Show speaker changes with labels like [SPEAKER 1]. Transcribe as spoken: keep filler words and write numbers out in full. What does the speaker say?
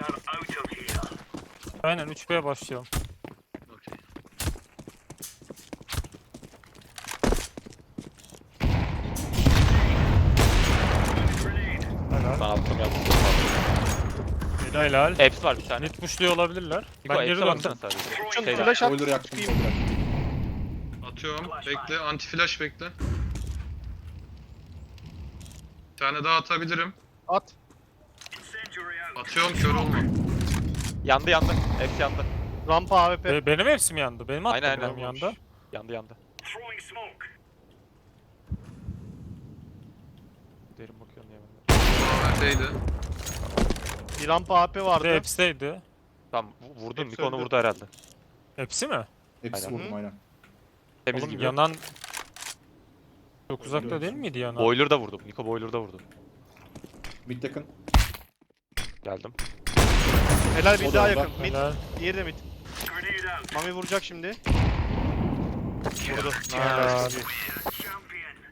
[SPEAKER 1] Aynen üç B'ye başlayalım.
[SPEAKER 2] Okey.
[SPEAKER 1] Helal.
[SPEAKER 3] Ben attım yaptım.
[SPEAKER 1] Helal.
[SPEAKER 3] Hepsi var bir tane.
[SPEAKER 1] Net pushluyor olabilirler.
[SPEAKER 3] Niko
[SPEAKER 1] Ben geri
[SPEAKER 3] hepsi baksana
[SPEAKER 1] döndüm.
[SPEAKER 3] sadece.
[SPEAKER 4] Şunu
[SPEAKER 3] Şeyler.
[SPEAKER 4] flash at.
[SPEAKER 5] Boiler yaktım.
[SPEAKER 4] Çıkayım.
[SPEAKER 5] Boiler.
[SPEAKER 2] Atıyorum. Bekle. Anti flash bekle. Bir tane daha atabilirim.
[SPEAKER 4] At.
[SPEAKER 2] Atıyorum, kör olma.
[SPEAKER 3] Yandı yandı. Hepsi yandı.
[SPEAKER 4] Rampa A W P.
[SPEAKER 1] Be- benim hepsim yandı. Benim attım
[SPEAKER 3] Aynen,
[SPEAKER 1] benim
[SPEAKER 3] aynen.
[SPEAKER 1] yanda.
[SPEAKER 3] Yandı yandı. Derin bakıyorum diye ben de.
[SPEAKER 2] A W P'ydi.
[SPEAKER 4] Bir rampa A W P
[SPEAKER 1] Bir
[SPEAKER 4] vardı.
[SPEAKER 1] de hepsiydi.
[SPEAKER 3] Tamam vu- vurdun.
[SPEAKER 4] Hepsi
[SPEAKER 3] Niko onu
[SPEAKER 4] öldü.
[SPEAKER 3] vurdu herhalde.
[SPEAKER 1] Hepsi mi?
[SPEAKER 5] Hepsi
[SPEAKER 3] Aynen.
[SPEAKER 5] vurdum aynen.
[SPEAKER 3] Temiz
[SPEAKER 1] Oğlum
[SPEAKER 3] gibi.
[SPEAKER 1] yanan... Çok uzakta değil miydi yanan?
[SPEAKER 3] Boiler'da vurdum. Niko Boiler'da vurdu.
[SPEAKER 5] Mid yakın.
[SPEAKER 3] Geldim.
[SPEAKER 4] Helal bir
[SPEAKER 5] O da
[SPEAKER 4] daha
[SPEAKER 5] orada.
[SPEAKER 4] yakın. Mid.
[SPEAKER 1] Helal.
[SPEAKER 4] Diğeri de mid. Mami vuracak şimdi. Vurdu.
[SPEAKER 1] Helal.
[SPEAKER 4] Nice.